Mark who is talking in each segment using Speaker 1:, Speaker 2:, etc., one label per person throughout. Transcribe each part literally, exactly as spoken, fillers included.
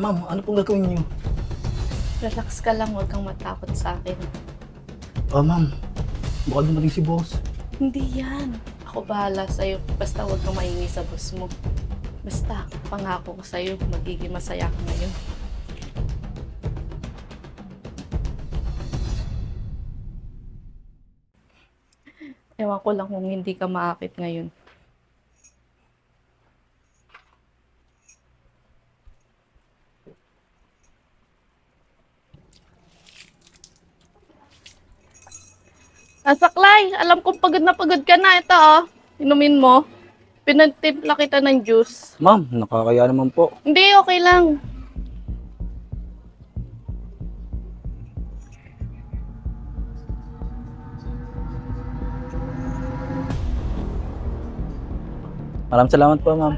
Speaker 1: ma'am, ano pong gagawin niyo?
Speaker 2: Relax ka lang, huwag kang matakot sa akin.
Speaker 1: Ah, ma'am, baka dumating si boss.
Speaker 2: Hindi yan. Ako bahala sa'yo. Basta huwag kang maingay sa boss mo. Basta, pangako ko sa'yo, magiging masaya ka ngayon. Ewan ko lang kung hindi ka maakit ngayon. Ah, Saklay, alam kong pagod na pagod ka na. Ito, oh. Inumin mo. Pinagtimpla kita ng juice.
Speaker 1: Ma'am, nakakaya naman po.
Speaker 2: Hindi, okay lang.
Speaker 1: Maraming salamat po, ma'am.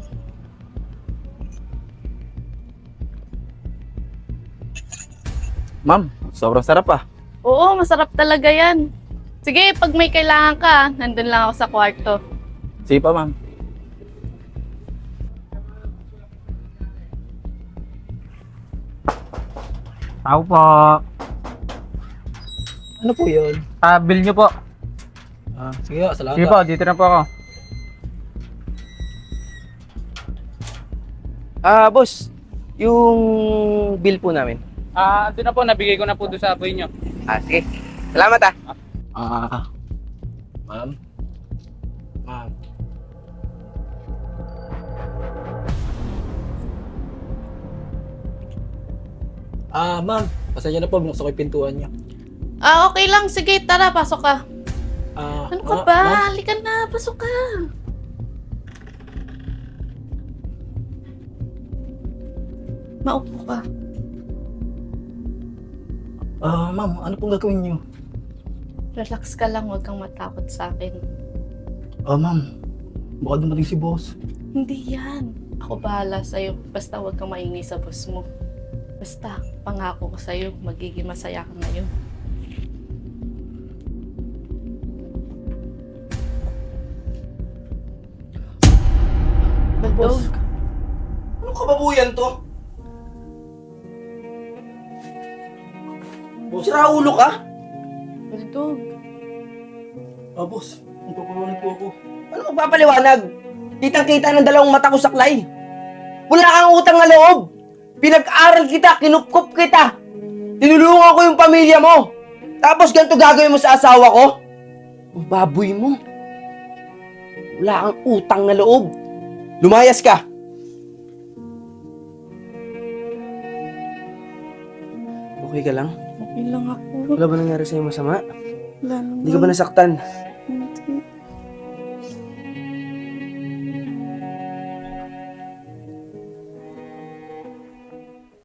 Speaker 1: Ma'am, sobrang sarap ah.
Speaker 2: Oo, masarap talaga yan. Sige, pag may kailangan ka, nandun lang ako sa kwarto.
Speaker 1: Sige pa, ma'am.
Speaker 3: Tao po.
Speaker 1: Ano po yun?
Speaker 3: Ah, bill nyo po.
Speaker 1: Ah, sige po, salamat
Speaker 3: Sige po, dito na po ako.
Speaker 4: Ah, boss, yung bill po namin.
Speaker 3: Ah, ando na po, nabigay ko na po doon sa boy nyo.
Speaker 4: Ah, sige. Salamat ah.
Speaker 1: Ah, ma'am. Ma'am. Ah, ma'am. Pasensya na po, binuksan ko yung pintuan niya.
Speaker 2: Ah, okay lang. Sige, tara, pasok ka.
Speaker 1: Ah,
Speaker 2: Ano ka
Speaker 1: ah,
Speaker 2: ba?
Speaker 1: ma'am.
Speaker 2: Halika na, pasok ka. Maupo ka.
Speaker 1: Ah, ma'am, ano pong gagawin niyo?
Speaker 2: Relax ka lang, huwag kang matakot sa akin.
Speaker 1: Ah, ma'am. Baka dumating si boss.
Speaker 2: Hindi yan. Ako bahala sa'yo. Basta huwag kang maingay sa boss mo. Basta, pangako ko sa'yo, magiging masaya ka ngayon.
Speaker 1: Boss.
Speaker 2: Baldog,
Speaker 4: Anong kababuyan to?
Speaker 1: Boss.
Speaker 4: Sira ulo ka?
Speaker 2: Baldog.
Speaker 1: Ah, boss. Magpapaliwanag po ako.
Speaker 4: Ano magpapaliwanag? Kitang-kita ng dalawang mata ko saklay. Wala kang utang na loob. Pinag-aral kita, kinupkup kita. Tinulungan ko yung pamilya mo. Tapos ganito gagawin mo sa asawa ko? Ang baboy mo. Wala kang utang na loob. Lumayas ka. Okay ka lang?
Speaker 2: Okay lang ako.
Speaker 4: Wala ba nangyari sa'yo masama?
Speaker 2: Wala naman.
Speaker 4: Hindi ka ba nasaktan?